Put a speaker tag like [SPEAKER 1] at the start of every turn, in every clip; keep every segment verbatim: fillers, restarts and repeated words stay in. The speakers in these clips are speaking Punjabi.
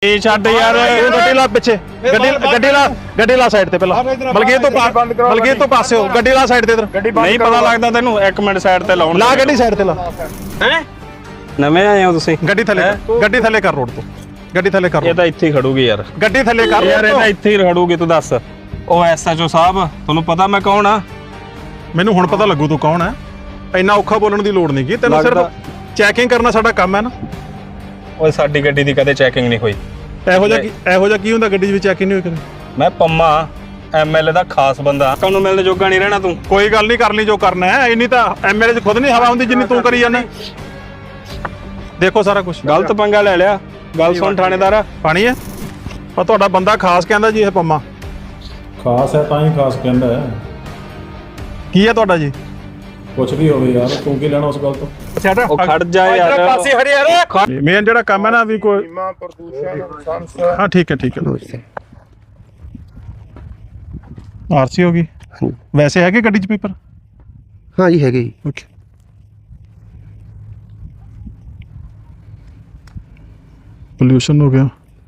[SPEAKER 1] ਇਹ ਛੱਡ ਯਾਰ
[SPEAKER 2] ਗੱਡੀ ਲਾ ਪਿੱਛੇ ਗੱਡੀ ਗੱਡੀ ਲਾ ਗੱਡੀ ਲਾ ਸਾਈਡ ਤੇ ਪਹਿਲਾਂ ਮਲਕੀਤ ਤੋਂ ਮਲਕੀਤ ਤੋਂ ਪਾਸੇ ਹੋ ਗੱਡੀ ਲਾ ਸਾਈਡ ਤੇ ਇਧਰ
[SPEAKER 1] ਨਹੀਂ ਪਤਾ ਲੱਗਦਾ ਤੈਨੂੰ ਇੱਕ ਮਿੰਟ ਸਾਈਡ ਤੇ ਲਾਉਣ
[SPEAKER 2] ਲਾ ਗੱਡੀ ਸਾਈਡ ਤੇ ਲਾ
[SPEAKER 1] ਹੈ ਨਵੇਂ ਆਏ ਹੋ ਤੁਸੀਂ
[SPEAKER 2] ਗੱਡੀ ਥੱਲੇ ਗੱਡੀ ਥੱਲੇ ਕਰ ਰੋਡ ਤੋਂ ਗੱਡੀ ਥੱਲੇ ਕਰ
[SPEAKER 1] ਇਹ ਤਾਂ ਇੱਥੇ ਹੀ ਖੜੂਗੀ ਯਾਰ
[SPEAKER 2] ਗੱਡੀ ਥੱਲੇ ਕਰ
[SPEAKER 1] ਯਾਰ ਇਹ ਤਾਂ ਇੱਥੇ ਹੀ ਖੜੂਗੀ ਤੂੰ ਦੱਸ ਉਹ ਐਸਐਚਓ ਸਾਹਿਬ ਤੁਹਾਨੂੰ ਪਤਾ ਮੈਂ ਕੌਣ ਆ
[SPEAKER 2] ਮੈਨੂੰ ਹੁਣ ਪਤਾ ਲੱਗੂ ਤੂੰ ਕੌਣ ਹੈ ਇੰਨਾ ਔਖਾ ਬੋਲਣ ਦੀ ਲੋੜ ਨਹੀਂ ਕੀ ਤੈਨੂੰ ਸਿਰਫ ਚੈਕਿੰਗ ਕਰਨਾ ਸਾਡਾ ਕੰਮ ਹੈ ਨਾ
[SPEAKER 1] ਓਏ ਸਾਡੀ ਗੱਡੀ ਦੀ ਕਦੇ ਚੈਕਿੰਗ ਨਹੀਂ ਹੋਈ
[SPEAKER 2] ਇਹੋ ਜਿਹਾ ਕੀ ਇਹੋ ਜਿਹਾ ਕੀ ਹੁੰਦਾ ਗੱਡੀ ਦੇ ਵਿੱਚ ਚੈਕਿੰਗ ਨਹੀਂ ਹੋਈ ਕਦੇ
[SPEAKER 1] ਮੈਂ ਪੰਮਾ ਐਮਐਲਏ ਦਾ ਖਾਸ ਬੰਦਾ ਤੁਹਾਨੂੰ ਮਿਲਣ ਜੋਗਾ ਨਹੀਂ ਰਹਿਣਾ ਤੂੰ
[SPEAKER 2] ਕੋਈ ਗੱਲ ਨਹੀਂ ਕਰ ਲਈ ਜੋ ਕਰਨਾ ਹੈ ਇੰਨੀ ਤਾਂ ਐਮਐਲਏ 'ਚ ਖੁਦ ਨਹੀਂ ਹਵਾ ਹੁੰਦੀ ਜਿੰਨੀ ਤੂੰ ਕਰੀ ਜਾਂਦਾ ਦੇਖੋ ਸਾਰਾ ਕੁਝ
[SPEAKER 1] ਗਲਤ ਪੰਗਾ ਲੈ ਲਿਆ ਗੱਲ ਸੁਣ ਥਾਣੇਦਾਰ
[SPEAKER 2] ਪਾਣੀ ਹੈ ਪਰ ਤੁਹਾਡਾ ਬੰਦਾ ਖਾਸ ਕਹਿੰਦਾ ਜੀ ਇਹ ਪੰਮਾ
[SPEAKER 3] ਖਾਸ ਹੈ ਤਾਂ ਹੀ ਖਾਸ ਕਹਿੰਦਾ ਹੈ
[SPEAKER 2] ਕੀ ਹੈ ਤੁਹਾਡਾ ਜੀ
[SPEAKER 3] ਕੁਛ ਵੀ ਹੋਵੇ ਯਾਰ ਤੂੰ ਕੀ ਲੈਣਾ ਉਸ ਗੱਲ ਤੋਂ
[SPEAKER 1] ਉਹ ਖੜ ਜਾ ਯਾਰ
[SPEAKER 2] ਪਾਸੇ ਹਰੇ ਯਾਰ ਮੇਨ ਜਿਹੜਾ ਕੰਮ ਹੈ ਨਾ ਵੀ ਕੋਈ ਹਾਂ ਠੀਕ ਹੈ ਠੀਕ ਹੈ ਆਰਸੀ ਹੋ ਗਈ ਵੈਸੇ ਹੈਗੇ ਗੱਡੀ 'ਚ ਪੇਪਰ
[SPEAKER 4] ਹਾਂ ਜੀ ਹੈਗੇ ਜੀ
[SPEAKER 2] ਓਕੇ ਪੋਲਿਊਸ਼ਨ ਹੋ ਗਿਆ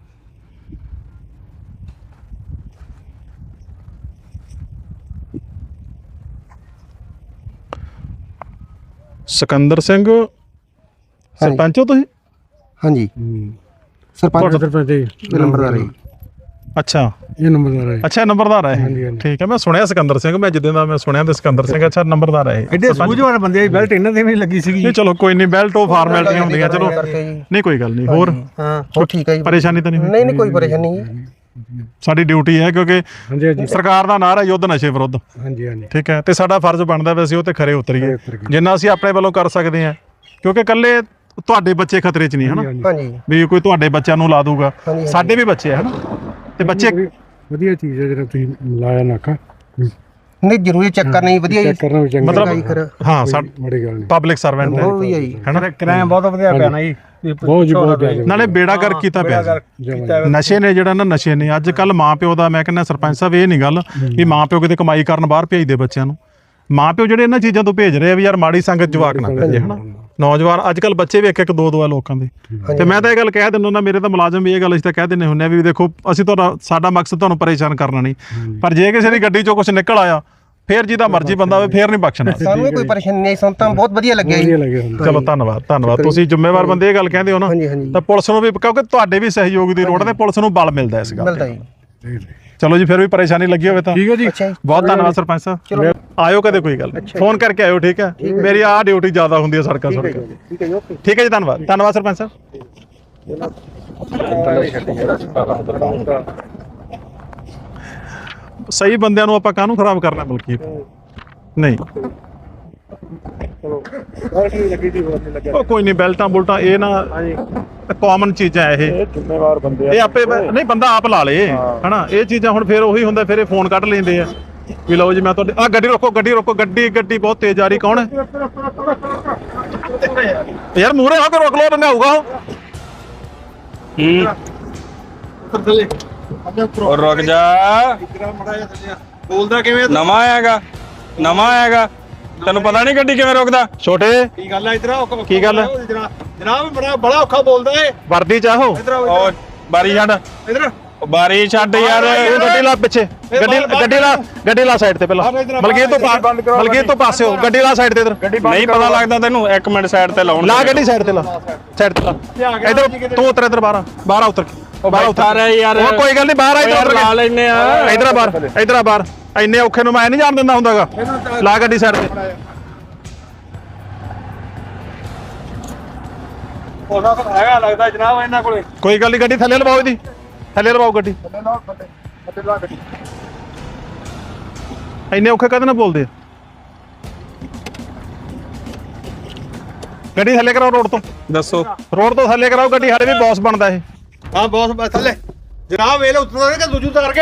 [SPEAKER 2] ਸਿਕੰਦਰ ਸਿੰਘ ਸਰਪੰਚ ਹੋ ਤੁਸੀਂ
[SPEAKER 4] ਹਾਂਜੀ ਸਰਪੰਚ ਸਰਪੰਚ ਨੰਬਰਦਾਰ ਹੈ
[SPEAKER 2] ਅੱਛਾ
[SPEAKER 5] ਇਹ ਨੰਬਰਦਾਰ ਹੈ
[SPEAKER 2] ਅੱਛਾ ਨੰਬਰਦਾਰ ਹੈ ਠੀਕ ਹੈ ਮੈਂ ਸੁਣਿਆ ਸਿਕੰਦਰ ਸਿੰਘ ਮੈਂ ਜਿੱਦਾਂ ਦਾ ਮੈਂ ਸੁਣਿਆ ਤੇ ਸਿਕੰਦਰ ਸਿੰਘ ਅੱਛਾ ਨੰਬਰਦਾਰ ਹੈ
[SPEAKER 5] ਐਡੇ ਸੂਝਵਾਨ ਬੰਦੇ ਦੀ ਬੈਲਟ ਇਹਨਾਂ ਦੇ ਵੀ ਲੱਗੀ ਸੀਗੀ
[SPEAKER 2] ਨਹੀਂ ਚਲੋ ਕੋਈ ਨਹੀਂ ਬੈਲਟ ਉਹ ਫਾਰਮੈਲਿਟੀਆਂ ਹੁੰਦੀਆਂ ਚਲੋ ਨਹੀਂ ਕੋਈ ਗੱਲ ਨਹੀਂ ਹੋਰ
[SPEAKER 4] ਹਾਂ ਹੋ ਠੀਕ ਹੈ ਜੀ
[SPEAKER 2] ਪਰੇਸ਼ਾਨੀ ਤਾਂ ਨਹੀਂ ਹੋਈ
[SPEAKER 4] ਨਹੀਂ ਨਹੀਂ ਕੋਈ ਪਰੇਸ਼ਾਨੀ ਨਹੀਂ
[SPEAKER 2] ਸਾਡੀ ਡਿਊਟੀ ਹੈ ਕਿਉਂਕਿ
[SPEAKER 5] ਹਾਂਜੀ ਹਾਂਜੀ
[SPEAKER 2] ਸਰਕਾਰ ਦਾ ਨਾਰਾ ਯੁੱਧ ਨਸ਼ੇ ਵਿਰੁੱਧ
[SPEAKER 5] ਹਾਂਜੀ ਹਾਂਜੀ
[SPEAKER 2] ਠੀਕ ਹੈ ਤੇ ਸਾਡਾ ਫਰਜ਼ ਬਣਦਾ ਵੈਸੇ ਉਹ ਤੇ ਖਰੇ ਉਤਰੀਏ ਜਿੰਨਾ ਅਸੀਂ ਆਪਣੇ ਵੱਲੋਂ ਕਰ ਸਕਦੇ ਹਾਂ ਕਿਉਂਕਿ ਇਕੱਲੇ ਤੁਹਾਡੇ ਬੱਚੇ ਖਤਰੇ 'ਚ ਨਹੀਂ ਹਨਾ
[SPEAKER 4] ਹਾਂਜੀ
[SPEAKER 2] ਵੀ ਕੋਈ ਤੁਹਾਡੇ ਬੱਚਿਆਂ ਨੂੰ ਲਾ ਦੂਗਾ ਸਾਡੇ ਵੀ ਬੱਚੇ ਆ ਹਨਾ ਤੇ ਬੱਚੇ
[SPEAKER 5] ਵਧੀਆ ਚੀਜ਼ ਹੈ ਜਿਹੜਾ ਤੁਸੀਂ ਲਾਇਆ ਨਾਕਾ
[SPEAKER 4] ਨਹੀਂ ਜ਼ਰੂਰੀ ਚੈੱਕ ਕਰਨਾ ਹੀ ਵਧੀਆ ਜੀ
[SPEAKER 5] ਕਰਨਾ ਵੀ ਚੰਗਾ
[SPEAKER 2] ਮਤਲਬ ਹਾਂ ਸਾ
[SPEAKER 5] ਬੜੀ ਗੱਲ ਨਹੀਂ
[SPEAKER 2] ਪਬਲਿਕ ਸਰਵੈਂਟ ਹੈ
[SPEAKER 4] ਉਹ ਵੀ ਹੈ ਜੀ
[SPEAKER 2] ਹਨਾ
[SPEAKER 5] ਕਿਰਾਇਆ ਬਹੁਤ ਵਧੀਆ ਪਿਆ ਨਾ ਜੀ ਬਹੁਤ ਜੀ ਬਹੁਤ ਪਿਆ
[SPEAKER 2] ਨਾਲੇ ਬੇੜਾ ਗਰਕ ਕੀਤਾ ਪਿਆ ਨਸ਼ੇ ਨੇ ਜਿਹੜਾ ਨਾ ਨਸ਼ੇ ਨੇ ਅੱਜ ਕੱਲ ਮਾਂ ਪਿਓ ਦਾ ਮੈਂ ਕਹਿੰਦਾ ਸਰਪੰਚ ਸਾਹਿਬ ਇਹ ਨਹੀਂ ਗੱਲ ਵੀ ਮਾਂ ਪਿਓ ਕਿਤੇ ਕਮਾਈ ਕਰਨ ਬਾਹਰ ਭੇਜਦੇ ਬੱਚਿਆਂ ਨੂੰ ਮਾਂ ਪਿਓ ਜਿਹੜੇ ਇਹਨਾਂ ਚੀਜ਼ਾਂ ਤੋਂ ਭੇਜ ਰਹੇ ਆ ਵੀ ਯਾਰ ਮਾੜੀ ਸੰਗਤ ਜਵਾਕ ਨਾ ਭੇਜੇ ਹਨਾ ਨੌਜਵਾਨ ਅੱਜ ਕੱਲ ਬੱਚੇ ਵੀ ਇੱਕ ਇੱਕ ਦੋ ਦੋ ਆ ਲੋਕਾਂ ਦੇ ਤੇ ਮੈਂ ਤਾਂ ਇਹ ਗੱਲ ਕਹਿ ਦਿੰਦਾ ਹੁੰਦਾ ਮੇਰੇ ਤਾਂ ਮੁਲਾਜ਼ਮ ਵੀ ਇਹ ਗੱਲ ਅਸੀਂ ਤਾਂ ਕਹਿ ਦਿੰਦੇ ਹੁੰਦੇ ਆ ਵੀ ਦੇਖੋ ਅਸੀਂ ਤੁਹਾਡਾ ਸਾਡਾ ਮਕਸਦ ਤੁਹਾਨੂੰ ਪਰੇਸ਼ਾਨ ਕਰਨਾ ਨਹੀਂ ਪਰ ਜੇ ਕਿਸੇ ਦੀ ਗੱਡੀ ਚੋਂ ਕੁਝ ਨਿਕਲ ਆਇਆ ਫੇਰ ਜਿਹਦਾ ਮਰਜ਼ੀ ਬੰਦਾ ਹੋਵੇ ਫੇਰ ਨਹੀਂ ਬਖਸ਼ਣਾ
[SPEAKER 4] ਸਾਨੂੰ ਕੋਈ ਪਰੇਸ਼ਾਨੀ ਨਹੀਂ ਸਾਨੂੰ ਤਾਂ ਬਹੁਤ ਵਧੀਆ ਲੱਗਿਆ ਜੀ
[SPEAKER 2] ਚਲੋ ਧੰਨਵਾਦ ਧੰਨਵਾਦ ਤੁਸੀਂ ਜ਼ਿੰਮੇਵਾਰ ਬੰਦੇ ਇਹ ਗੱਲ ਕਹਿੰਦੇ ਹੋ ਨਾ ਤਾਂ ਪੁਲਿਸ ਨੂੰ ਵੀ ਕਿਉਂਕਿ ਤੁਹਾਡੇ ਵੀ ਸਹਿਯੋਗ ਦੀ ਲੋੜ ਹੈ ਤੇ ਪੁਲਿਸ ਨੂੰ ਬਲ ਮਿਲਦਾ ਇਸ ਗੱਲ
[SPEAKER 4] ਮਿਲਦਾ ਜੀ
[SPEAKER 2] ਚਲੋ ਜੀ ਫਿਰ ਵੀ ਪਰੇਸ਼ਾਨੀ ਲੱਗੀ ਹੋਵੇ ਤਾਂ
[SPEAKER 5] ਠੀਕ ਹੈ ਜੀ
[SPEAKER 2] ਬਹੁਤ ਧੰਨਵਾਦ ਸਰਪੰਚ ਸਾਹਿਬ ਆਇਓ ਕਦੇ ਕੋਈ ਗੱਲ ਫੋਨ ਕਰਕੇ ਆਇਓ ਠੀਕ ਹੈ ਮੇਰੀ ਆਹ ਡਿਊਟੀ ਜ਼ਿਆਦਾ ਹੁੰਦੀ ਹੈ ਸੜਕਾਂ ਸੜਕਾਂ ਠੀਕ ਹੈ ਜੀ ਧੰਨਵਾਦ ਧੰਨਵਾਦ ਸਰਪੰਚ ਸਾਹਿਬ ਸਹੀ ਬੰਦਿਆਂ ਨੂੰ ਆਪਾਂ ਕਾਹਨੂੰ ਖਰਾਬ ਕਰਨਾ ਬਲਕਿ ਨਹੀਂ ਉਹ ਕੋਈ ਨਹੀਂ ਬੈਲਟਾਂ ਬੁਲਟਾਂ ਇਹ ਨਾ ਕਾਮਨ ਚੀਜ਼ਾਂ ਇਹ
[SPEAKER 3] ਜ਼ਿੰਮੇਵਾਰ ਬੰਦੇ
[SPEAKER 2] ਇਹ ਆਪੇ ਨਹੀਂ ਬੰਦਾ ਆਪ ਲਾ ਲੇ ਹਨਾ ਇਹ ਚੀਜ਼ਾਂ ਹੁਣ ਫਿਰ ਉਹੀ ਹੁੰਦਾ ਫਿਰ ਇਹ ਫੋਨ ਕੱਢ ਲੈਂਦੇ ਆ ਵੀ ਲਓ ਜੀ ਮੈਂ ਤੁਹਾਡੇ ਆ ਗੱਡੀ ਰੋਕੋ ਗੱਡੀ ਰੋਕੋ ਗੱਡੀ ਗੱਡੀ ਬਹੁਤ ਤੇਜ਼ ਆ ਰਹੀ ਕੌਣ ਹੈ ਯਾਰ ਮੂਹਰੇ ਹੋ ਕੇ ਰੋਕ ਲਓ ਬੰਦਾ ਆਊਗਾ
[SPEAKER 1] ਉਹ ਰੁਕ ਜਾ
[SPEAKER 2] ਬੋਲਦਾ ਕਿਵੇਂ
[SPEAKER 1] ਨਵਾਂ ਆਏਗਾ ਨਵਾਂ ਆਏਗਾ ਤੈਨੂੰ ਪਤਾ ਨਹੀਂ ਗੱਡੀ ਕਿਵੇਂ ਰੋਕਦਾ
[SPEAKER 2] ਛੋਟੇ
[SPEAKER 5] ਕੀ ਗੱਲ ਹੈ ਇਧਰ
[SPEAKER 2] ਕੀ ਗੱਲ
[SPEAKER 5] ਜਨਾਬ ਬੜਾ ਬੜਾ ਔਖਾ ਬੋਲਦਾ ਏ
[SPEAKER 2] ਵਰਦੀ ਚਾਹੋ
[SPEAKER 1] ਉਹ ਬਾਰੀ ਛੱਡ
[SPEAKER 5] ਇਧਰ
[SPEAKER 1] ਬਾਰੀ ਛੱਡ ਯਾਰ
[SPEAKER 2] ਗੱਡੀ ਲਾ ਪਿੱਛੇ ਗੱਡੀ ਗੱਡੀ ਲਾ ਗੱਡੀ ਲਾ ਸਾਈਡ ਤੇ ਪਹਿਲਾਂ ਮਲਕੀਤ ਤੋਂ ਮਲਕੀਤ ਤੋਂ ਪਾਸੇ ਹੋ ਗੱਡੀ ਲਾ ਸਾਈਡ ਤੇ ਇਧਰ
[SPEAKER 1] ਨਹੀਂ ਪਤਾ ਲੱਗਦਾ ਤੈਨੂੰ ਇੱਕ ਮਿੰਟ ਸਾਈਡ ਤੇ ਲਾਉਣ
[SPEAKER 2] ਲਾ ਗੱਡੀ ਸਾਈਡ ਤੇ ਲਾ ਸਾਈਡ ਤੇ ਲਾ ਇਧਰ ਤੂੰ ਉਤਰ ਇਧਰ ਬਾਹਰ ਬਾਹਰ ਉਤਰ
[SPEAKER 1] ਉਹ ਬਾਹਰ ਆ ਯਾਰ
[SPEAKER 2] ਉਹ ਕੋਈ ਗੱਲ ਨਹੀਂ ਬਾਹਰ ਆ ਇਧਰ
[SPEAKER 1] ਲਾ ਲੈਨੇ ਆ
[SPEAKER 2] ਇਧਰ ਆ ਬਾਹਰ ਇਧਰ ਆ ਬਾਹਰ ਇੰਨੇ ਔਖੇ ਨੂੰ ਮੈਂ ਨਹੀਂ ਜਾਣ ਦਿੰਦਾ ਹੁੰਦਾਗਾ ਲਾ ਗੱਡੀ ਸਾਈਡ ਤੇ
[SPEAKER 5] ਉਹਨਾਂ ਕੋਲ ਹੈਗਾ ਲੱਗਦਾ ਜਨਾਬ ਇਹਨਾਂ ਕੋਲੇ
[SPEAKER 2] ਕੋਈ ਗੱਲ ਨਹੀਂ ਗੱਡੀ ਥੱਲੇ ਲਵਾਓ ਇਹਦੀ ਥੱਲੇ ਲਵਾਓ ਗੱਡੀ ਇੰਨੇ ਔਖੇ ਕਦੇ ਨਾ ਬੋਲਦੇ ਆ ਗੱਡੀ ਥੱਲੇ ਕਰਾਓ ਰੋਡ ਤੋਂ
[SPEAKER 1] ਦੱਸੋ
[SPEAKER 2] ਰੋਡ ਤੋਂ ਥੱਲੇ ਕਰਾਓ ਗੱਡੀ ਸਾਡੇ ਵੀ ਬੌਸ ਬਣਦਾ ਇਹ
[SPEAKER 5] ਹਾਂ ਬੌਸ ਥੱਲੇ ਜਨਾਬ ਇਹ ਲੈ ਉਤਰਦਾ ਕਿ ਦੂਜੂ ਉਤਾਰ ਕੇ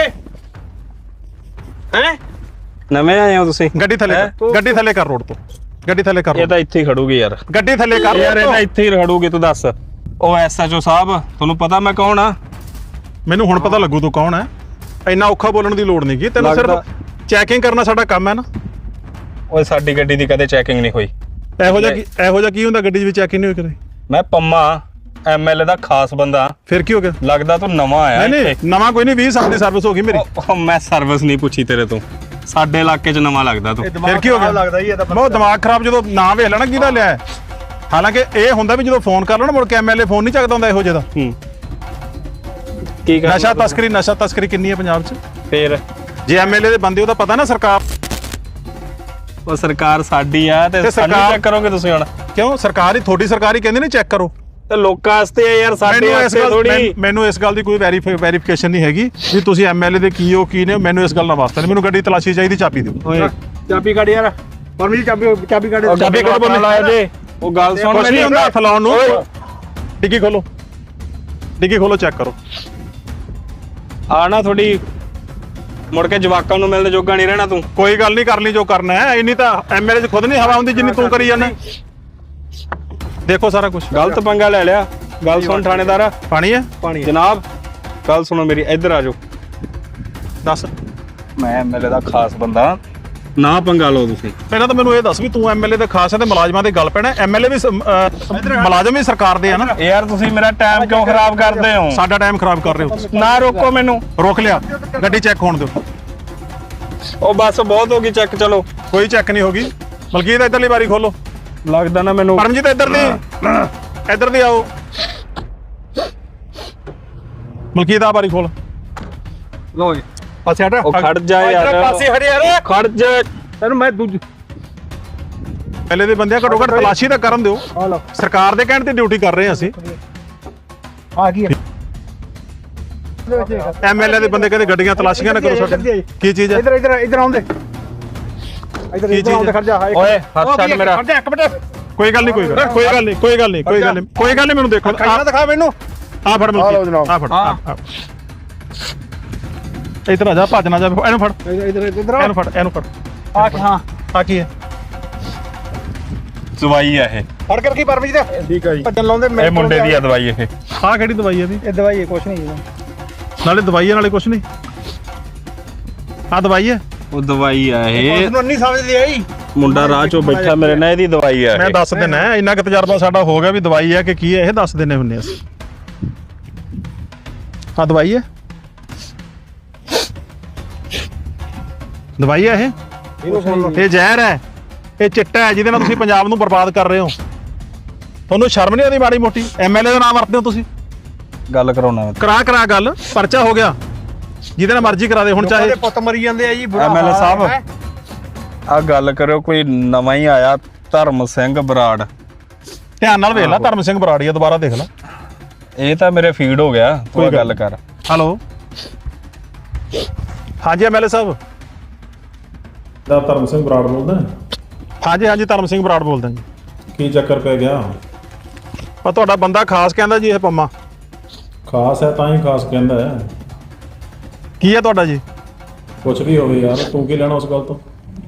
[SPEAKER 5] ਹੈ
[SPEAKER 1] ਨਵੇਂ ਆਏ ਹੋ ਤੁਸੀਂ
[SPEAKER 2] ਗੱਡੀ ਥੱਲੇ ਗੱਡੀ ਥੱਲੇ ਕਰ ਰੋਡ ਤੋਂ ਗੱਡੀ ਥੱਲੇ ਕਰ
[SPEAKER 1] ਇਹ ਤਾਂ ਇੱਥੇ ਹੀ ਖੜੂਗੀ ਯਾਰ
[SPEAKER 2] ਗੱਡੀ ਥੱਲੇ ਕਰ
[SPEAKER 1] ਯਾਰ ਇਹ ਤਾਂ ਇੱਥੇ ਹੀ ਖੜੂਗੀ ਤੂੰ ਦੱਸ ਉਹ ਐਸਐਚਓ ਸਾਹਿਬ ਤੁਹਾਨੂੰ ਪਤਾ ਮੈਂ ਕੌਣ ਆ
[SPEAKER 2] ਮੈਨੂੰ ਹੁਣ ਪਤਾ ਲੱਗੂ ਤੂੰ ਕੌਣ ਹੈ ਇੰਨਾ ਔਖਾ ਬੋਲਣ ਦੀ ਲੋੜ ਨਹੀਂ ਕੀ ਤੈਨੂੰ ਸਿਰਫ ਚੈਕਿੰਗ ਕਰਨਾ ਸਾਡਾ ਕੰਮ ਹੈ ਨਾ
[SPEAKER 1] ਓਏ ਸਾਡੀ ਗੱਡੀ ਦੀ ਕਦੇ ਚੈਕਿੰਗ ਨਹੀਂ ਹੋਈ
[SPEAKER 2] ਇਹੋ ਜਿਹਾ ਕੀ ਇਹੋ ਜਿਹਾ ਕੀ ਹੁੰਦਾ ਗੱਡੀ ਦੇ ਵਿੱਚ ਚੈਕਿੰਗ ਨਹੀਂ ਹੋਈ ਕਦੇ
[SPEAKER 1] ਮੈਂ ਪੰਮਾ ਐਮਐਲਏ ਦਾ ਖਾਸ ਬੰਦਾ।
[SPEAKER 2] ਫਿਰ ਕੀ ਹੋ ਗਿਆ?
[SPEAKER 1] ਲੱਗਦਾ ਤੂੰ ਨਵਾਂ ਆਇਆ
[SPEAKER 2] ਨਹੀਂ ਨਹੀਂ
[SPEAKER 1] ਇੱਥੇ।
[SPEAKER 2] ਨਵਾਂ ਕੋਈ ਨਹੀਂ, ਵੀਹ ਸਾਲ ਦੀ ਸਰਵਿਸ ਹੋ ਗਈ ਮੇਰੀ।
[SPEAKER 1] ਉਹ ਮੈਂ ਸਰਵਿਸ ਨਹੀਂ ਪੁੱਛੀ ਤੇਰੇ ਤੋਂ, ਸਾਡੇ ਇਲਾਕੇ 'ਚ ਨਵਾਂ ਲੱਗਦਾ ਤੂੰ।
[SPEAKER 2] ਫਿਰ ਕੀ ਹੋ ਗਿਆ?
[SPEAKER 5] ਲੱਗਦਾ ਹੀ ਇਹਦਾ
[SPEAKER 2] ਬਹੁਤ ਦਿਮਾਗ ਖਰਾਬ ਜਦੋਂ ਨਾਂ ਵੇਖ ਲੈਣਾ ਕਿਹਦਾ ਲਿਆ ਹੈ। ਹਾਲਾਂਕਿ ਇਹ ਹੁੰਦਾ ਵੀ ਜਦੋਂ ਫੋਨ ਕਰ ਲਓ ਨਾ ਮੁੜ ਕੇ ਐਮਐਲਏ ਫੋਨ ਨਹੀਂ ਚੱਕਦਾ ਹੁੰਦਾ ਇਹੋ ਜਿਹੇ ਦਾ।
[SPEAKER 1] ਹੂੰ ਕੀ ਕਰ
[SPEAKER 2] ਨਸ਼ਾ ਤਸਕਰੀ ਨਸ਼ਾ ਤਸਕਰੀ ਕਿੰਨੀ ਹੈ ਪੰਜਾਬ 'ਚ?
[SPEAKER 1] ਫੇਰ
[SPEAKER 2] ਜੇ ਐਮਐਲਏ ਦੇ ਬੰਦੇ ਉਹਦਾ ਪਤਾ ਨਾ ਸਰਕਾਰ
[SPEAKER 1] ਉਹ ਸਰਕਾਰ ਸਾਡੀ ਆ ਤੇ
[SPEAKER 2] ਤੇ
[SPEAKER 1] ਸਾਨੂੰ
[SPEAKER 2] ਸਰਕਾਰ-
[SPEAKER 1] ਚੈੱਕ ਕਰੋਗੇ ਤੁਸੀਂ ਹੁਣ?
[SPEAKER 2] ਕਿਉਂ ਸਰਕਾਰ ਹੀ ਤੁਹਾਡੀ ਸਰਕਾਰ ਹੀ ਕਹਿੰਦੀ ਨੇ ਚੈੱਕ ਕਰੋ।
[SPEAKER 1] ਤੇ ਲੋਕਾਂ ਵਾਸਤੇ ਆ ਯਾਰ, ਸਾਡੇ
[SPEAKER 2] ਮੈਨੂੰ ਇਸ
[SPEAKER 1] ਵਾਸਤੇ
[SPEAKER 2] ਗੱਲ
[SPEAKER 1] ਥੋੜੀ।
[SPEAKER 2] ਮੈਨ- ਮੈਨੂੰ ਇਸ ਗੱਲ ਦੀ ਕੋਈ ਵੈਰੀਫਿਕੇਸ਼ਨ ਨਹੀਂ ਹੈਗੀ ਵੀ ਤੁਸੀਂ ਐਮਐਲਏ ਦੇ ਕੀ ਹੋ ਕੀ ਨੇ, ਮੈਨੂੰ ਇਸ ਗੱਲ ਦਾ ਵਾਸਤਾ ਨਹੀਂ। ਮੈਨੂੰ ਗੱਡੀ ਤਲਾਸ਼ੀ ਚਾਹੀਦੀ, ਚਾਬੀ ਦਿਓ।
[SPEAKER 1] ਓਏ
[SPEAKER 5] ਚਾਬੀ ਕੱਢ ਯਾਰ ਪਰਮੀ ਚਾਬੀ ਚਾਬੀ ਕੱਢ
[SPEAKER 1] ਉਹ ਚਾਬੀ ਕੋਲ ਬੋਲ ਲਾਇਆ ਜੇ। ਉਹ ਗੱਲ ਸੁਣ
[SPEAKER 2] ਕੁਛ ਨਹੀਂ
[SPEAKER 1] ਮੇਰੀ।
[SPEAKER 2] ਹੁੰਦਾ ਹੱਥ ਲਾਉਣ ਨੂੰ। ਡਿੱਗੀ ਖੋਲੋ, ਡਿੱਗੀ ਖੋਲੋ, ਚੈੱਕ ਕਰੋ।
[SPEAKER 1] ਆ ਨਾ ਥੋੜੀ ਮੁੜ ਕੇ ਜਵਾਕਾਂ ਨੂੰ ਮਿਲਣ ਜੋਗਾ ਨਹੀਂ ਰਹਿਣਾ ਤੂੰ।
[SPEAKER 2] ਕੋਈ ਗੱਲ ਨਹੀਂ, ਕਰ ਲਈ ਜੋ ਕਰਨਾ ਹੈ। ਇੰਨੀ ਤਾਂ ਐਮਐਲਏ 'ਚ ਖੁਦ ਨਹੀਂ ਹਵਾ ਹੁੰਦੀ ਜਿੰਨੀ ਤੂੰ ਕਰੀ ਜਾਂਦਾ। ਦੇਖੋ ਸਾਰਾ ਕੁਝ।
[SPEAKER 1] ਗਲਤ ਪੰਗਾ ਲੈ ਲਿਆ। ਗੱਲ ਸੁਣ ਥਾਣੇਦਾਰ।
[SPEAKER 2] ਪਾਣੀ ਹੈ?
[SPEAKER 1] ਪਾਣੀ ਜਨਾਬ, ਗੱਲ ਸੁਣੋ ਮੇਰੀ, ਇੱਧਰ ਆ ਜਾਓ।
[SPEAKER 2] ਦੱਸ।
[SPEAKER 1] ਮੈਂ ਐਮਐਲਏ ਦਾ ਖਾਸ ਬੰਦਾ, ਨਾ ਪੰਗਾ ਲਓ ਤੁਸੀਂ।
[SPEAKER 2] ਪਹਿਲਾਂ ਤਾਂ ਮੈਨੂੰ ਇਹ ਦੱਸ ਵੀ ਤੂੰ ਐਮਐਲਏ ਦੇ ਖਾਸ ਹੈ ਤੇ ਮੁਲਾਜ਼ਮਾਂ ਦੇ ਗੱਲ ਪੈਣਾ। ਐਮਐਲਏ ਵੀ ਸ- ਅਹ ਮੁਲਾਜ਼ਮ ਵੀ ਸਰਕਾਰ ਦੇ ਆ ਨਾ।
[SPEAKER 1] ਯਾਰ ਤੁਸੀਂ ਮੇਰਾ ਟਾਈਮ ਕਿਉਂ ਖਰਾਬ ਕਰਦੇ ਹੋ?
[SPEAKER 2] ਸਾਡਾ ਟਾਈਮ ਖਰਾਬ ਕਰ ਰਹੇ ਹੋ ਤੁਸੀਂ।
[SPEAKER 1] ਨਾ ਰੋਕੋ ਮੈਨੂੰ।
[SPEAKER 2] ਰੋਕ ਲਿਆ, ਗੱਡੀ ਚੈੱਕ ਹੋਣ ਦਿਓ।
[SPEAKER 1] ਉਹ ਬਸ ਬਹੁਤ ਹੋ ਗਈ ਚੈੱਕ, ਚਲੋ।
[SPEAKER 2] ਕੋਈ ਚੈੱਕ ਨਹੀਂ ਹੋਗੀ। ਮਲਕੀਤ ਇੱਧਰਲੀ ਵਾਰੀ ਖੋਲੋ।
[SPEAKER 1] ਲੱਗਦਾ ਨਾ ਮੈਨੂੰ।
[SPEAKER 2] ਪਰਮਜੀਤ ਇੱਧਰ ਦੀ ਇੱਧਰ ਦੀ ਆਓ। ਮਲਕੀਤ ਆ ਵਾਰੀ ਖੋਲ।
[SPEAKER 5] ਲੋ ਜੀ ਪਾਸੇ ਹਟ।
[SPEAKER 1] ਉਹ ਖੜ ਜਾ ਯਾਰ,
[SPEAKER 5] ਪਾਸੇ ਹਟ ਯਾਰ।
[SPEAKER 1] ਖੜ ਜਾ।
[SPEAKER 5] ਤੈਨੂੰ ਮੈਂ ਦੂਜ
[SPEAKER 2] ਪਹਿਲੇ ਦੇ ਬੰਦਿਆਂ ਘੱਟੋ ਘੱਟ ਤਲਾਸ਼ੀ ਤਾਂ ਕਰਨ ਦਿਓ।
[SPEAKER 5] ਆ ਲਓ
[SPEAKER 2] ਸਰਕਾਰ ਦੇ ਕਹਿਣ ਤੇ ਡਿਊਟੀ ਕਰ ਰਹੇ ਹਾਂ ਅਸੀਂ।
[SPEAKER 5] ਆ ਗਈ
[SPEAKER 2] ਐਮਐਲਏ ਦੇ ਬੰਦੇ ਕਹਿੰਦੇ ਗੱਡੀਆਂ ਤਲਾਸ਼ੀਆਂ ਨਾ ਕਰੋ ਸਾਡੇ। ਕੀ ਚੀਜ਼ ਹੈ?
[SPEAKER 5] ਇਧਰ ਇਧਰ ਇਧਰ ਆਉਂਦੇ ਇਧਰ
[SPEAKER 2] ਕੀ
[SPEAKER 5] ਇਧਰ ਆਉਂਦੇ।
[SPEAKER 2] ਚੀਜ਼?
[SPEAKER 5] ਖੜ ਜਾ
[SPEAKER 1] ਓਏ ਹੱਥ ਛੱਡ ਮੇਰਾ।
[SPEAKER 5] ਖੜ ਜਾ ਇੱਕ ਮਿੰਟ।
[SPEAKER 2] ਕੋਈ ਗੱਲ ਨਹੀਂ, ਕੋਈ ਗੱਲ ਕੋਈ ਗੱਲ ਨਹੀਂ, ਕੋਈ ਗੱਲ ਨਹੀਂ, ਕੋਈ ਗੱਲ ਨਹੀਂ, ਕੋਈ ਗੱਲ ਨਹੀਂ। ਮੈਨੂੰ ਦੇਖੋ
[SPEAKER 5] ਖਾਣਾ ਦਿਖਾ ਮੈਨੂੰ।
[SPEAKER 2] ਆ ਫੜ
[SPEAKER 5] ਆ ਲਓ
[SPEAKER 2] ਮਲਕੀਤ,
[SPEAKER 5] ਜਨਾਬ।
[SPEAKER 2] ਆ ਫੜ। ਇੱਧਰ ਆ ਜਾ, ਭੱਜ ਨਾ ਜਾ। ਇਹਨੂੰ ਫੜ,
[SPEAKER 5] ਇਧਰ ਇਧਰ
[SPEAKER 2] ਇਹਨੂੰ ਫੜ, ਇਹਨੂੰ ਫੜ।
[SPEAKER 5] ਆ ਹਾਂ
[SPEAKER 2] ਆ ਕੀ ਹੈ?
[SPEAKER 1] ਦਵਾਈ ਆ ਇਹ।
[SPEAKER 5] ਫੜ ਕਰ ਕੀ ਪਰਮੀ ਜੀ ਠੀਕ ਆ ਜੀ। ਭੱਜਣ ਲਾਉਂਦੇ
[SPEAKER 1] ਇਹ ਮੁੰਡੇ ਦੀ ਆ ਦਵਾਈ ਇਹ।
[SPEAKER 2] ਆਹ ਕਿਹੜੀ ਦਵਾਈ ਹੈ ਵੀ?
[SPEAKER 5] ਇਹ ਦਵਾਈ ਹੈ ਕੁਛ ਨਹੀਂ।
[SPEAKER 2] ਨਾਲੇ ਦਵਾਈ ਹੈ ਨਾਲੇ ਕੁਛ ਨਹੀਂ। ਆ ਦਵਾਈ ਹੈ?
[SPEAKER 1] ਉਹ ਦਵਾਈ ਆ ਇਹ।
[SPEAKER 5] ਤੁਹਾਨੂੰ ਨਹੀਂ ਸਮਝਦੀ ਆਈ।
[SPEAKER 1] ਮੁੰਡਾ ਰਾਹ ਚੋਂ ਬੈਠਾ ਮੇਰੇ ਨਾਲ, ਇਹਦੀ ਦਵਾਈ ਆ
[SPEAKER 2] ਮੈਂ
[SPEAKER 1] ਇਹ।
[SPEAKER 2] ਦੱਸ ਦਿੰਦਾ, ਇੰਨਾ ਕੁ ਤਜਰਬਾ ਸਾਡਾ ਹੋ ਗਿਆ ਵੀ ਦਵਾਈ ਹੈ ਕਿ ਕੀ ਹੈ ਇਹ ਦੱਸ ਦਿੰਨੇ ਹੁੰਨੇ ਅਸੀਂ। ਆ ਦਵਾਈ ਹੈ? ਦਵਾਈ ਹੈ ਇਹ? ਇਹ ਜ਼ਹਿਰ ਹੈ, ਇਹ ਚਿੱਟਾ ਹੈ ਜਿਹਦੇ ਨਾਲ ਤੁਸੀਂ ਪੰਜਾਬ ਨੂੰ ਬਰਬਾਦ ਕਰ ਰਹੇ ਹੋ। ਤੁਹਾਨੂੰ ਸ਼ਰਮ ਨਹੀਂ ਆਉਂਦੀ ਮਾੜੀ ਮੋਟੀ? ਐਮਐਲਏ ਦਾ ਨਾਮ ਵਰਤਦੇ ਹੋ ਤੁਸੀਂ।
[SPEAKER 1] ਗੱਲ ਕਰਾਉਣਾ
[SPEAKER 2] ਕਰਾ ਕਰਾ ਗੱਲ, ਪਰਚਾ ਹੋ ਗਿਆ। ਜਿਹਦੇ ਨਾਲ ਮਰਜ਼ੀ ਕਰਾ ਦੇ ਹੁਣ, ਚਾਹੇ
[SPEAKER 5] ਪੁੱਤ ਮਰੀ ਜਾਂਦੇ ਆ ਜੀ।
[SPEAKER 1] ਐਮਐਲਏ ਸਾਹਿਬ ਆ ਗੱਲ ਕਰਿਓ, ਕੋਈ ਨਵਾਂ ਹੀ ਆਇਆ ਧਰਮ ਸਿੰਘ ਬਰਾੜ।
[SPEAKER 2] ਧਿਆਨ ਨਾਲ ਵੇਖ ਲੈ। ਧਰਮ ਸਿੰਘ ਬਰਾੜੀਆ, ਦੁਬਾਰਾ ਦੇਖ ਲੈ।
[SPEAKER 1] ਇਹ ਤਾਂ ਮੇਰੇ ਫੀਡ ਹੋ ਗਿਆ। ਕੋਈ
[SPEAKER 2] ਕੋਈ
[SPEAKER 1] ਗੱਲ ਕਰ।
[SPEAKER 2] ਹੈਲੋ, ਹਾਂਜੀ ਐਮਐਲਏ ਸਾਹਿਬ।
[SPEAKER 3] ਦਾ ਧਰਮ ਸਿੰਘ ਬਰਾੜ ਬੋਲਦਾ।
[SPEAKER 2] ਹਾਂਜੀ ਹਾਂਜੀ ਧਰਮ ਸਿੰਘ ਬਰਾੜ ਬੋਲਦਾ ਜੀ।
[SPEAKER 3] ਕੀ ਚੱਕਰ ਪੈ ਗਿਆ?
[SPEAKER 2] ਪਰ ਤੁਹਾਡਾ ਬੰਦਾ ਖਾਸ ਕਹਿੰਦਾ ਜੀ ਇਹ ਪੰਮਾ।
[SPEAKER 3] ਖਾਸ ਹੈ ਤਾਂ ਹੀ ਖਾਸ ਕਹਿੰਦਾ ਹੈ।
[SPEAKER 2] ਕੀ ਹੈ ਤੁਹਾਡਾ ਜੀ?
[SPEAKER 3] ਕੁਛ ਵੀ ਹੋਵੇ ਯਾਰ, ਤੂੰ ਕੀ ਲੈਣਾ ਉਸ ਗੱਲ ਤੋਂ?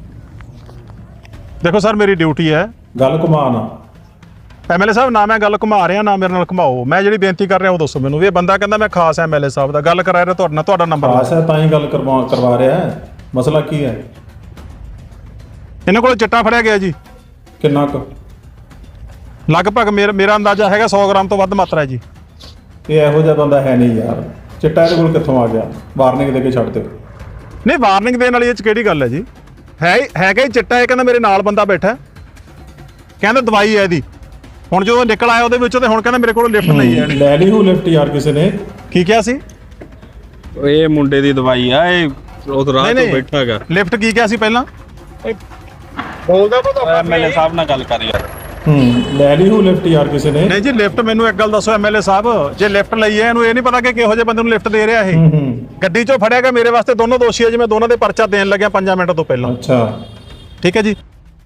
[SPEAKER 2] ਦੇਖੋ ਸਰ, ਮੇਰੀ ਡਿਊਟੀ ਹੈ।
[SPEAKER 3] ਗੱਲ ਘੁਮਾ ਨਾ।
[SPEAKER 2] ਐਮਐਲਏ ਸਾਹਿਬ, ਨਾ ਮੈਂ ਗੱਲ ਘੁਮਾ ਰਿਹਾ ਨਾ ਮੇਰੇ ਨਾਲ ਘੁਮਾਓ। ਮੈਂ ਜਿਹੜੀ ਬੇਨਤੀ ਕਰ ਰਿਹਾ ਉਹ ਦੱਸੋ ਮੈਨੂੰ। ਵੀ ਇਹ ਬੰਦਾ ਕਹਿੰਦਾ ਮੈਂ ਖਾਸ ਐਮਐਲਏ ਸਾਹਿਬ ਦਾ ਗੱਲ ਕਰਾ ਰਿਹਾ ਤੁਹਾਡੇ ਨਾਲ, ਤੁਹਾਡਾ ਨੰਬਰ
[SPEAKER 3] ਖਾਸ ਹੈ ਤਾਂ ਹੀ ਗੱਲ ਕਰਵਾ ਕਰਵਾ ਰਿਹਾ ਹੈ। ਮਸਲਾ ਕੀ ਹੈ?
[SPEAKER 2] ਇਹਨਾਂ ਕੋਲ ਚਿੱਟਾ ਫੜਿਆ ਗਿਆ ਜੀ।
[SPEAKER 3] ਕਿੰਨਾ ਕੁ?
[SPEAKER 2] ਲਗਭਗ ਮੇਰਾ ਮੇਰਾ ਅੰਦਾਜ਼ਾ ਹੈਗਾ ਸੌ ਗ੍ਰਾਮ ਤੋਂ ਵੱਧ ਮਾਤਰਾ ਹੈ ਜੀ।
[SPEAKER 3] ਇਹ ਇਹੋ ਜਿਹਾ ਬੰਦਾ ਹੈ ਨਹੀਂ ਯਾਰ। ਚਿੱਟਾ ਇਹਦੇ ਕੋਲ ਕਿੱਥੋਂ ਆ ਗਿਆ? ਵਾਰਨਿੰਗ ਦੇ ਕੇ ਛੱਡ ਦਿਓ।
[SPEAKER 2] ਨਹੀਂ, ਵਾਰਨਿੰਗ ਦੇਣ ਵਾਲੀ ਇਹ ਚ ਕਿਹੜੀ ਗੱਲ ਹੈ ਜੀ? ਹੈ ਹੀ- ਹੈਗਾ ਹੀ ਚਿੱਟਾ। ਇਹ ਕਹਿੰਦਾ ਮੇਰੇ ਨਾਲ ਬੰਦਾ ਬੈਠਾ, ਕਹਿੰਦਾ ਦਵਾਈ ਹੈ ਇਹਦੀ। ਹੁਣ ਜਦੋਂ ਨਿਕਲ ਆਇਆ ਉਹਦੇ ਵਿੱਚੋਂ, ਤੇ ਹੁਣ ਕਹਿੰਦਾ ਮੇਰੇ ਕੋਲ ਲਿਫਟ ਨਹੀਂ ਹੈ।
[SPEAKER 3] ਲੈ ਲਈ ਹੋ ਲਿਫਟ ਯਾਰ ਕਿਸੇ ਨੇ।
[SPEAKER 2] ਕੀ ਕਿਹਾ ਸੀ?
[SPEAKER 1] ਇਹ ਮੁੰਡੇ ਦੀ ਦਵਾਈ ਆ ਇਹ। ਉਹ ਰਾਹ ਤੋਂ ਬੈਠਾ ਹੈਗਾ।
[SPEAKER 2] ਲਿਫਟ ਕੀ ਕਿਹਾ ਸੀ ਪਹਿਲਾਂ?
[SPEAKER 5] ਬੋਲਦਾ ਬਹੁਤ
[SPEAKER 1] ਐਮਐਲਏ ਸਾਹਿਬ ਨਾਲ ਗੱਲ ਕਰ ਯਾਰ।
[SPEAKER 3] ਹੂੰ, ਲੈ ਲਈ ਹੋ ਲਿਫਟ ਯਾਰ ਕਿਸੇ ਨੇ।
[SPEAKER 2] ਨਹੀਂ ਜੀ, ਲਿਫਟ ਮੈਨੂੰ ਇੱਕ ਗੱਲ ਦੱਸੋ ਐਮਐਲਏ ਸਾਹਿਬ, ਜੇ ਲਿਫਟ ਲਈ ਹੈ ਇਹਨੂੰ ਇਹ ਨਹੀਂ ਪਤਾ ਕਿ ਕਿਹੋ ਜਿਹੇ ਬੰਦੇ ਨੂੰ ਲਿਫਟ ਦੇ ਰਿਹਾ ਇਹ।
[SPEAKER 3] ਹੂੰ ਹੂੰ,
[SPEAKER 2] ਗੱਡੀ ਚੋਂ ਫੜਿਆ ਗਿਆ, ਮੇਰੇ ਵਾਸਤੇ ਦੋਨੋਂ ਦੋਸ਼ੀ ਹੈ ਜੀ। ਮੈਂ ਦੋਨਾਂ ਦੇ ਪਰਚਾ ਦੇਣ ਲੱਗਿਆ ਪੰਜਾਂ ਮਿੰਟ ਤੋਂ ਪਹਿਲਾਂ।
[SPEAKER 3] ਅੱਛਾ।
[SPEAKER 2] ਠੀਕ ਹੈ ਜੀ।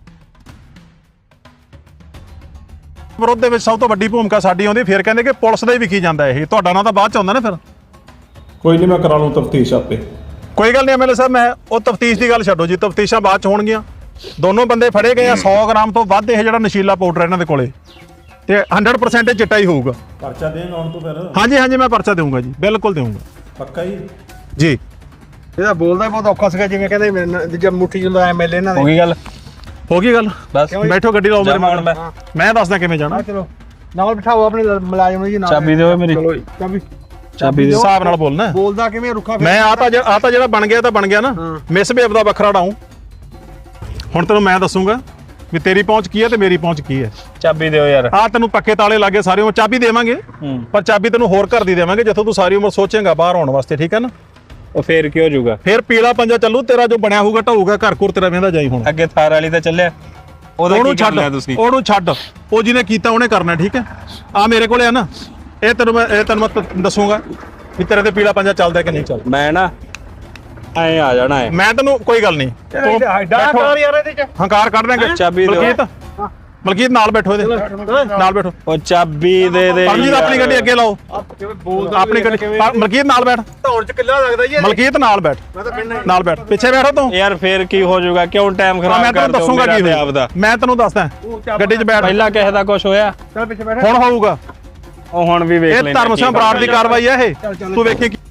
[SPEAKER 2] ਵਿਰੋਧ ਦੇ ਵਿੱਚ ਸਭ ਤੋਂ ਵੱਡੀ ਭੂਮਿਕਾ ਸਾਡੀ ਆਉਂਦੀ। ਫਿਰ ਕਹਿੰਦੇ ਕਿ ਪੁਲਿਸ ਦਾ ਹੀ ਵਿਕੀ ਜਾਂਦਾ ਇਹ। ਤੁਹਾਡਾ ਨਾਂ ਤਾਂ ਬਾਅਦ ਚ ਆਉਂਦਾ ਨਾ ਫਿਰ।
[SPEAKER 3] ਕੋਈ ਨਹੀਂ, ਮੈਂ ਕਰਾ ਲੂੰ ਤਫਤੀਸ਼ ਆਪੇ।
[SPEAKER 2] ਕੋਈ ਗੱਲ ਨਹੀਂ ਐਮਐਲਏ ਸਾਹਿਬ, ਮੈਂ ਉਹ ਤਫਤੀਸ਼ ਦੀ ਗੱਲ ਛੱਡੋ ਜੀ। ਤਫਤੀਸ਼ਾਂ ਬਾਅਦ ਚ ਹੋਣਗੀਆਂ। ਦੋਨੋਂ ਬੰਦੇ ਫੜੇ ਗਏ ਆ। ਸੌ ਗ੍ਰਾਮ ਤੋਂ ਵੱਧ ਇਹ ਜਿਹੜਾ ਨਸ਼ੀਲਾ ਪਾਊਡਰ ਇਹਨਾਂ ਦੇ ਕੋਲੇ, ਤੇ ਹੰਡਰਡ ਪਰਸੈਂਟ ਚਿੱਟਾ ਹੀ ਹੋਊਗਾ।
[SPEAKER 3] ਪਰਚਾ ਦੇਣ ਆਉਣ ਤੋਂ ਫਿਰ
[SPEAKER 2] ਹਾਂਜੀ ਹਾਂਜੀ, ਮੈਂ ਪਰਚਾ ਦੇਵਾਂਗਾ ਜੀ, ਬਿਲਕੁਲ ਦੇਵਾਂਗਾ
[SPEAKER 3] ਪੱਕਾ ਹੀ।
[SPEAKER 2] ਜੀ।
[SPEAKER 5] ਇਹਦਾ ਬੋਲਦਾ ਬਹੁਤ ਔਖਾ ਸੀਗਾ, ਜਿਵੇਂ ਕਹਿੰਦੇ ਮੇਰੇ ਨਾਲ ਜਦ ਮੁੱਠੀ ਜਾਂਦਾ ਐਮਐਲਏ ਇਹਨਾਂ
[SPEAKER 1] ਹੋ
[SPEAKER 5] ਦੇ।
[SPEAKER 1] ਗਈ ਗੱਲ?
[SPEAKER 2] ਹੋ ਗਈ ਗੱਲ।
[SPEAKER 1] ਬਸ
[SPEAKER 2] ਬੈਠੋ, ਗੱਡੀ ਲਾਓ ਮੇਰੇ
[SPEAKER 1] ਜਾਵਾਂ ਹੁਣ
[SPEAKER 2] ਮਗਰ।
[SPEAKER 1] ਮੈਂ।
[SPEAKER 2] ਮੈਂ ਦੱਸਦਾ ਕਿਵੇਂ ਜਾਣਾ।
[SPEAKER 5] ਚਲੋ ਨਾਲ ਬਿਠਾਓ ਆਪਣੇ ਮੁਲਾਜ਼ਮ ਨੂੰ ਜੀ ਨਾਲ
[SPEAKER 1] ਚਾਬੀ ਦਿਓ ਮੇਰੀ
[SPEAKER 5] ਚਾਬੀ
[SPEAKER 1] ਚਾਬੀ ਦਿਓ
[SPEAKER 2] ਹਿਸਾਬ ਨਾਲ ਬੋਲਣਾ
[SPEAKER 5] ਬੋਲਦਾ ਕਿਵੇਂ ਰੁੱਖਾ
[SPEAKER 2] ਮੈਂ ਆ ਤਾਂ ਆ ਤਾਂ ਜਿਹੜਾ ਬਣ ਗਿਆ ਤਾਂ ਬਣ ਗਿਆ ਨਾ ਮਿਸ ਬੇਬ ਦਾ ਵੱਖਰਾ ਡਾਊਂ ਹੁਣ ਤੈਨੂੰ ਮੈਂ ਦੱਸੂਗਾ ਵੀ ਤੇਰੀ ਪਹੁੰਚ ਕੀ ਹੈ ਤੇ ਮੇਰੀ ਪਹੁੰਚ ਕੀ ਹੈ
[SPEAKER 1] ਚਾਬੀ ਦਿਓ ਯਾਰ
[SPEAKER 2] ਆ ਤੈਨੂੰ ਪੱਕੇ ਤਾਲੇ ਲੱਗੇ ਸਾਰੀ ਉਮਰ ਚਾਬੀ ਦੇਵਾਂਗੇ
[SPEAKER 1] ਹੂੰ
[SPEAKER 2] ਪਰ ਚਾਬੀ ਤੈਨੂੰ ਹੋਰ ਘਰ ਦੀ ਦੇਵਾਂਗੇ ਜਿੱਥੋਂ ਤੂੰ ਸਾਰੀ ਉਮਰ ਸੋਚੇਂਗਾ ਬਾਹਰ ਆਉਣ ਵਾਸਤੇ ਠੀਕ ਹੈ ਨਾ
[SPEAKER 1] ਉਹ ਫੇਰ ਕੀ ਹੋ ਜਾਊਗਾ
[SPEAKER 2] ਫਿਰ ਪੀਲਾ ਪੰਜਾ ਚੱਲੂ ਤੇਰਾ ਜੋ ਬਣਿਆ ਹੋਊਗਾ ਢਾਊਗਾ ਘਰ ਘੁਰ ਤੇਰਾ ਵੇਂਦਾ ਜਾਈ ਹੁਣ
[SPEAKER 1] ਅੱਗੇ ਥਾਰ ਵਾਲੀ ਤਾਂ ਚੱਲਿਆ ਉਹਦਾ
[SPEAKER 2] ਉਹਨੂੰ
[SPEAKER 1] ਕੀ ਕਰ ਲਿਆ
[SPEAKER 2] ਛੱਡ
[SPEAKER 1] ਤੁਸੀਂ
[SPEAKER 2] ਉਹਨੂੰ ਛੱਡ ਉਹ ਜਿਹਨੇ ਕੀਤਾ ਉਹਨੇ ਕਰਨਾ ਠੀਕ ਹੈ ਆ ਮੇਰੇ ਕੋਲੇ ਆ ਨਾ ਇਹ ਤੈਨੂੰ ਮੈਂ ਇਹ ਤੈਨੂੰ ਮੈਂ ਤ- ਦੱਸੂਗਾ ਵੀ ਤੇਰੇ ਤੇ ਪੀਲਾ ਪੰਜਾ ਚੱਲਦਾ ਕਿ ਨਹੀਂ ਚੱਲਦਾ
[SPEAKER 1] ਮੈਂ ਨਾ ਐ ਆ ਜਾਣਾ ਹੈ
[SPEAKER 2] ਮੈਂ ਤੈਨੂੰ ਕੋਈ ਗੱਲ ਨਹੀਂ ਤੂੰ
[SPEAKER 5] ਡਾਕਟਰ ਯਾਰ ਇਹਦੇ ਚ
[SPEAKER 2] ਹੰਕਾਰ ਕੱਢ ਦੇਂਗੇ
[SPEAKER 1] ਚਾਬੀ ਦਿਓ।
[SPEAKER 2] ਮਲਕੀਤ ਮਲਕੀਤ ਨਾਲ ਬੈਠੋ ਇਹਦੇ ਨਾਲ ਬੈਠੋ
[SPEAKER 1] ਉਹ ਚਾਬੀ ਦੇ ਦੇ
[SPEAKER 2] ਪਰਮਜੀਤ ਆਪਣੀ ਗੱਡੀ ਅੱਗੇ ਲਾਓ ਆਪਣੀ ਗੱਡੀ ਪਰ ਮਲਕੀਤ ਨਾਲ ਬੈਠ
[SPEAKER 5] ਧੌਣ ਚ ਕਿੱਲਾ ਲੱਗਦਾ ਜੀ
[SPEAKER 2] ਮਲਕੀਤ ਨਾਲ ਬੈਠ
[SPEAKER 5] ਮੈਂ ਤਾਂ ਪਿੰਡ
[SPEAKER 2] ਨਾਲ ਬੈਠ ਪਿੱਛੇ ਬੈਠੋ ਤੂੰ
[SPEAKER 1] ਯਾਰ ਫੇਰ ਕੀ ਹੋ ਜਾਊਗਾ ਕਿਉਂ ਟਾਈਮ
[SPEAKER 2] ਆ
[SPEAKER 1] ਖਰਾਬ
[SPEAKER 2] ਮੈਂ
[SPEAKER 1] ਕਰ
[SPEAKER 2] ਤੈਨੂੰ ਦੱਸੂਗਾ ਕੀ ਹੋਇਆ
[SPEAKER 1] ਆਪਦਾ
[SPEAKER 2] ਮੈਂ ਤੈਨੂੰ ਦੱਸਦਾ ਗੱਡੀ 'ਚ ਬੈਠ
[SPEAKER 1] ਪਹਿਲਾਂ ਕਿਸੇ ਦਾ ਕੁਝ ਹੋਇਆ
[SPEAKER 5] ਚੱਲ ਪਿੱਛੇ ਬੈਠ
[SPEAKER 2] ਹੁਣ ਹੋਊਗਾ
[SPEAKER 1] ਉਹ ਹੁਣ ਵੀ ਵੇਖ
[SPEAKER 2] ਇਹ
[SPEAKER 1] ਲੈਣਾ
[SPEAKER 2] ਧਰਮ ਸਿੰਘ ਬਰਾੜ ਦੀ ਕਾਰਵਾਈ ਹੈ ਇਹ ਤੂੰ ਵੇਖੀ ਕੀ-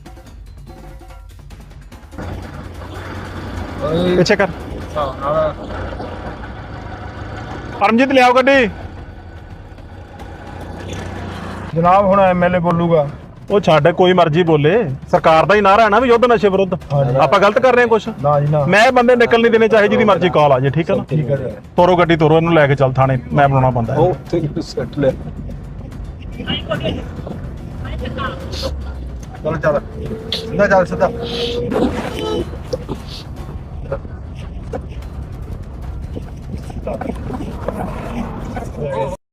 [SPEAKER 2] ਪਿੱਛੇ ਕਰ ਪਰਮਜੀਤ ਲਿਆਓ ਗੱਡੀ
[SPEAKER 5] ਜਨਾਬ ਹੁਣ ਐਮਐਲਏ ਬੋਲੂਗਾ
[SPEAKER 2] ਉਹ ਛੱਡ ਕੋਈ ਮਰਜ਼ੀ ਬੋਲੇ ਸਰਕਾਰ ਦਾ ਹੀ ਨਾਰਾ ਹੈ ਨਾ ਵੀ ਯੁੱਧ ਨਸ਼ੇ ਵਿਰੁੱਧ ਆਪਾਂ ਗਲਤ ਕਰ ਰਹੇ ਹਾਂ ਕੁਛ
[SPEAKER 5] ਨਾ ਜੀ ਨਾ
[SPEAKER 2] ਮੈਂ ਇਹ ਬੰਦੇ ਨਿਕਲ ਨਹੀਂ ਦੇਣੇ ਚਾਹੇ ਜਿਹਦੀ ਮਰਜ਼ੀ ਕਾਲ ਆ ਜੇ ਠੀਕ ਹੈ ਨਾ
[SPEAKER 5] ਠੀਕ ਹੈ ਜੀ
[SPEAKER 2] ਤੋਰੋ ਗੱਡੀ ਤੋਰੋ ਇਹਨੂੰ ਲੈ ਕੇ ਚੱਲ ਥਾਣੇ ਮੈਂ ਬਣਾਉਣਾ ਪੈਂਦਾ ਹੈ।
[SPEAKER 1] ਉਹ ਤੇ ਸੈਟ ਲੈ
[SPEAKER 5] ਚੱਲ ਚੱਲ ਸਿੱਧਾ ਚੱਲ ਸਿੱਧਾ